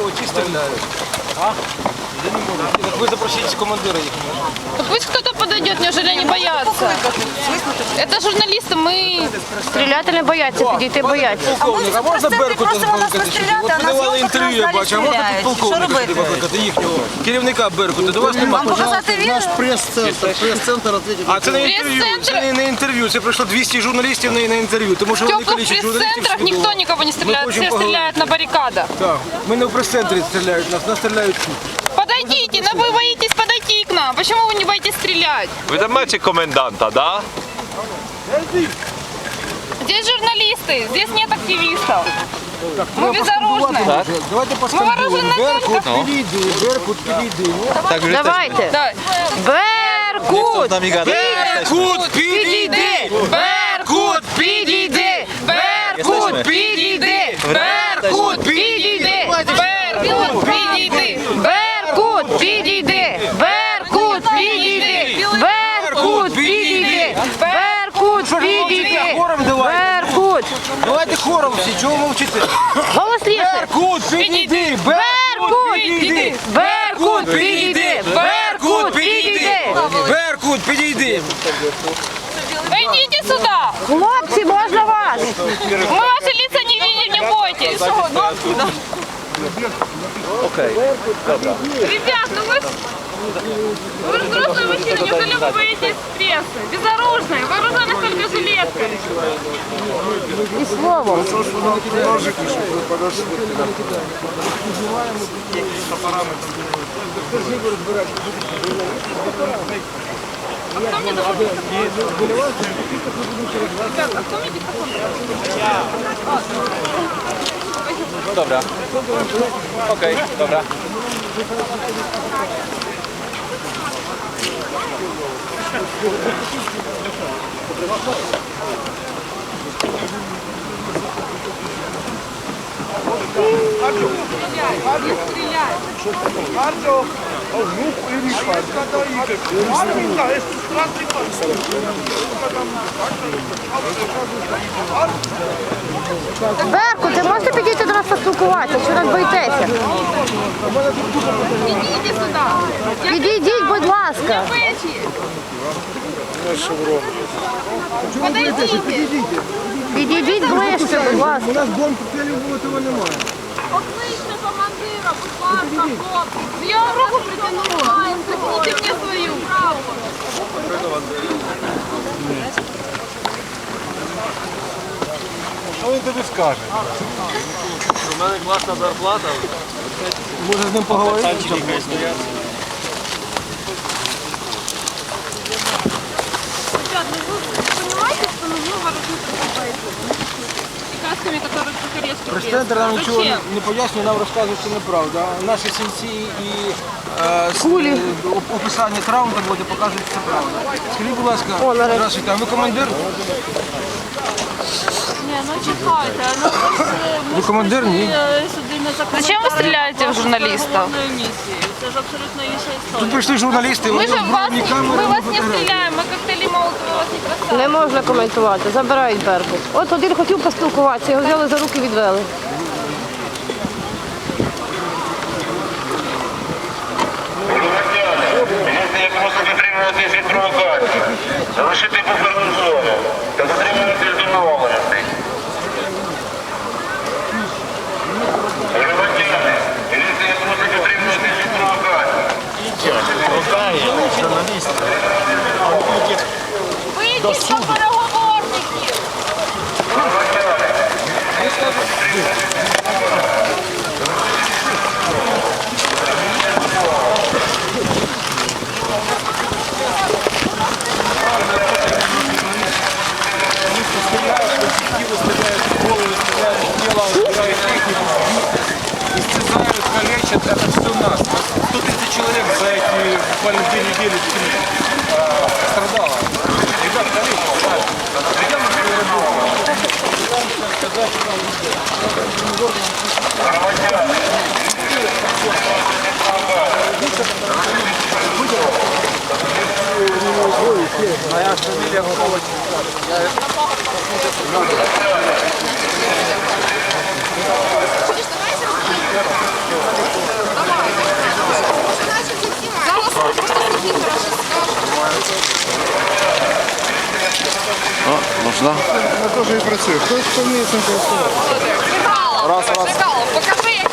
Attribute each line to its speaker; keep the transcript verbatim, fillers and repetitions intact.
Speaker 1: ті стріляють. А? Так вы запросите командира их.
Speaker 2: Так пусть кто-то подойдет, неужели они боятся? Это журналисты, мы...
Speaker 3: Стріляти не бояться, підійти бояться.
Speaker 1: Полковник, а можна Беркута викликати? От ви давали інтерв'ю, я бачу, а можна тут полковника викликати, їхнього керівника Беркута? До вас немає.
Speaker 4: Наш прес-центр, прес-центр ответит.
Speaker 1: А це не інтерв'ю, це не, не інтерв'ю, це прийшло двісті журналістів на, на інтерв'ю. Тому
Speaker 2: В
Speaker 1: що вони
Speaker 2: теплых
Speaker 1: количество журналістів
Speaker 2: пресс-центрах
Speaker 1: сюди
Speaker 2: никто
Speaker 1: було.
Speaker 2: никого не стреляет,
Speaker 1: хочем
Speaker 2: все
Speaker 1: поговорить.
Speaker 2: стреляют на баррикадах.
Speaker 1: Так, ми не в прес-центрі стріляють, нас, нас стріляють тут.
Speaker 2: Подойдите, но вы боитесь подойти к нам. Почему вы не боитесь стрелять?
Speaker 5: Ви домете коменданта, да?
Speaker 2: Здесь журналисты, здесь нет активистов. Мы безоружны.
Speaker 1: Давайте поскандуємо. Беркут, підійди, Беркут, підійди.
Speaker 3: Давайте.
Speaker 2: Да.
Speaker 3: Беркут!
Speaker 1: Беркут, підійди!
Speaker 2: Беркут, підійди! Беркут, підійди! Беркут, підійди! Беркут, підійди!
Speaker 3: Беркут! Підійди! Беркут! Підійди! Беркут! Підійди! Беркут! Підійди!
Speaker 1: Хором давайте.
Speaker 3: Беркут!
Speaker 1: Давайте хором всі, чого мовчите?
Speaker 3: Голосніше!
Speaker 1: Беркут, підійди!
Speaker 3: Беркут!
Speaker 1: підійди!
Speaker 3: Беркут! Підійди! Беркут! Підійди!
Speaker 1: Беркут, підійди!
Speaker 2: Идите сюда!
Speaker 3: Хлопці, можна вас?
Speaker 2: Мы ваши лица не видим, не бойтесь!
Speaker 5: Окей, добре.
Speaker 2: Ребят, ну вы... Вы же взрослые мужчины, неужели вы боитесь прессы? Безоружные, вооружены только жилеткой.
Speaker 3: І словом.
Speaker 5: Dobra. Okej, dobra.
Speaker 3: Беркут, ви можете підійти до нас поспілкуватися? Чи нас боїтеся?
Speaker 2: Идите сюда!
Speaker 3: Підійдіть, будь ласка.
Speaker 2: Печи! Подойдите!
Speaker 3: Підійдіть ближче, будь ласка.
Speaker 1: У нас бомб коктейлів було, того немає.
Speaker 2: Покличте командира, будь ласка, хлопці. Я вам руку притянула. Притяните мені свою.
Speaker 1: Що він тобі скаже?
Speaker 5: У мене класна зарплата.
Speaker 1: Може з ним поговорити?
Speaker 2: Ребят, ну вы понимаете, что нужно вооружиться и касками, которые покоречки.
Speaker 1: Прес-центр нам нічого не, не пояснює, нам розказує, що неправда. Наші сінці і е, с-
Speaker 3: Кулі.
Speaker 1: е, оп- описання травм там буде показують, що це правда. Скажіть, будь ласка,
Speaker 3: О, нарешті.
Speaker 1: здравствуйте, а ви командир?
Speaker 6: Ні, ну чекайте, ну ми ж
Speaker 1: Ви командир? Ні.
Speaker 6: сюди не за
Speaker 2: Зачем ви стріляєте в журналістів?
Speaker 6: місії. Це ж абсолютно інша
Speaker 1: Тут
Speaker 6: історія.
Speaker 1: прийшли журналісти,
Speaker 2: Мы
Speaker 1: вони
Speaker 2: же вас,
Speaker 1: озброєні
Speaker 2: не-
Speaker 1: камерами,
Speaker 2: мы вас не
Speaker 1: фотографії.
Speaker 2: стреляем, мы коктейли Молотова вас не бросаем.
Speaker 3: Не можна коментувати, забирають Беркут. От один хотів поспілкуватися, його взяли за руки і відвели.
Speaker 7: Міліція просить дотримуватись від провокації, залишити буферну зону та дотримуватись домовленостей. Громадяни, міліція просить дотримуватись від провокації.
Speaker 2: Вийдіть до переговорників.
Speaker 1: Истязают, калечат, это все нас. сто тридцать человек за эти буквально две недели э, страдало. Ребят, калечат, да. Ребят, на свою работу. Сказать, что моя фамилия Ковач. Я
Speaker 8: Можна?
Speaker 4: Я теж і працюю. Хто, хто вміє цим користуватися?
Speaker 2: Раз, раз. Покажи, як